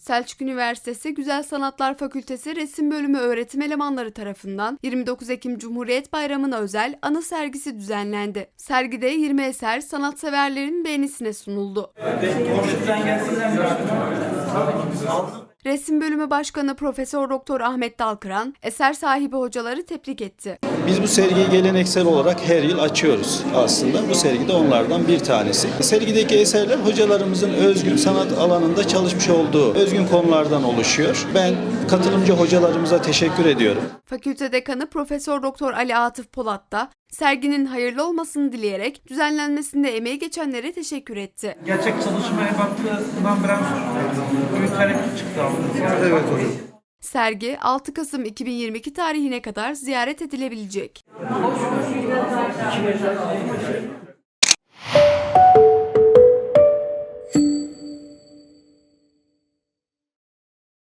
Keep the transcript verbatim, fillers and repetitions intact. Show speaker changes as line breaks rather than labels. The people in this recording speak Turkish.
Selçuk Üniversitesi Güzel Sanatlar Fakültesi Resim Bölümü öğretim elemanları tarafından yirmi dokuz Ekim Cumhuriyet Bayramı'na özel anı sergisi düzenlendi. Sergide yirmi eser sanatseverlerin beğenisine sunuldu. Resim Bölümü Başkanı Profesör Doktor Ahmet Dalkıran, eser sahibi hocaları tebrik etti.
Biz bu sergiyi geleneksel olarak her yıl açıyoruz aslında. Bu sergi de onlardan bir tanesi. Sergideki eserler hocalarımızın özgün sanat alanında çalışmış olduğu özgün konulardan oluşuyor. Ben katılımcı hocalarımıza teşekkür ediyorum.
Fakülte Dekanı Profesör Doktor Ali Atıf Polat da serginin hayırlı olmasını dileyerek düzenlenmesinde emeği geçenlere teşekkür etti.
Gerçek çalışmaya baktığından biraz büyük hareket çıktı. Evet hocam.
Sergi altı Kasım iki bin yirmi iki tarihine kadar ziyaret edilebilecek.